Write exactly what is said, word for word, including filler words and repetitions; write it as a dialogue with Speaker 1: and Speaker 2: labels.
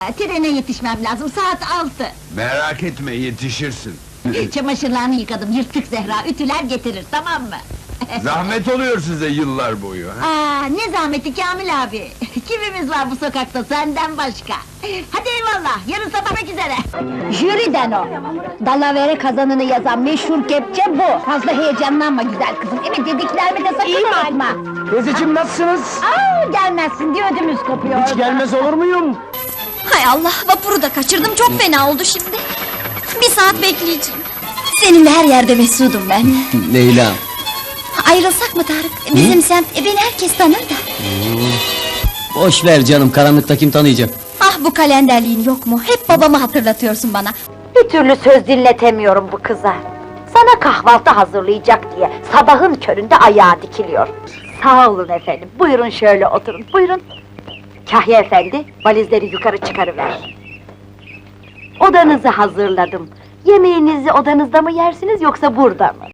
Speaker 1: Trene yetişmem lazım, saat altı.
Speaker 2: Merak etme, yetişirsin.
Speaker 1: Çamaşırlarını yıkadım, yırtık Zehra, ütüler getirir, tamam mı?
Speaker 2: Zahmet oluyor size yıllar boyu, ha?
Speaker 1: Aa, ne zahmeti Kamil abi! Kimimiz var bu sokakta senden başka? Hadi eyvallah, yarın sabah üzere! Jüriden o! Dalavere kazanını yazan meşhur kepçe bu! Fazla heyecanlanma güzel kızım, evet dediklerimi de sakın unutma!
Speaker 3: Teyzeciğim nasılsınız?
Speaker 1: Aa, gelmezsin diye ödümüz kopuyor!
Speaker 3: Hiç gelmez olur muyum?
Speaker 4: Hay Allah, vapuru da kaçırdım, çok fena oldu şimdi! Bir saat bekleyeceğim! Seninle her yerde mesudum ben!
Speaker 3: Leyla!
Speaker 4: Ayrılsak mı Tarık? Bizim semt, e, beni herkes tanır da!
Speaker 3: Boş ver canım, karanlıkta kim tanıyacak?
Speaker 4: Ah, bu kalenderliğin yok mu? Hep babamı hatırlatıyorsun bana!
Speaker 1: Bir türlü söz dinletemiyorum bu kıza! Sana kahvaltı hazırlayacak diye, sabahın köründe ayağa dikiliyor! Sağ olun efendim, buyurun şöyle oturun, buyurun! Kahya efendi, valizleri yukarı çıkarıver! Odanızı hazırladım! Yemeğinizi odanızda mı yersiniz, yoksa burada mı?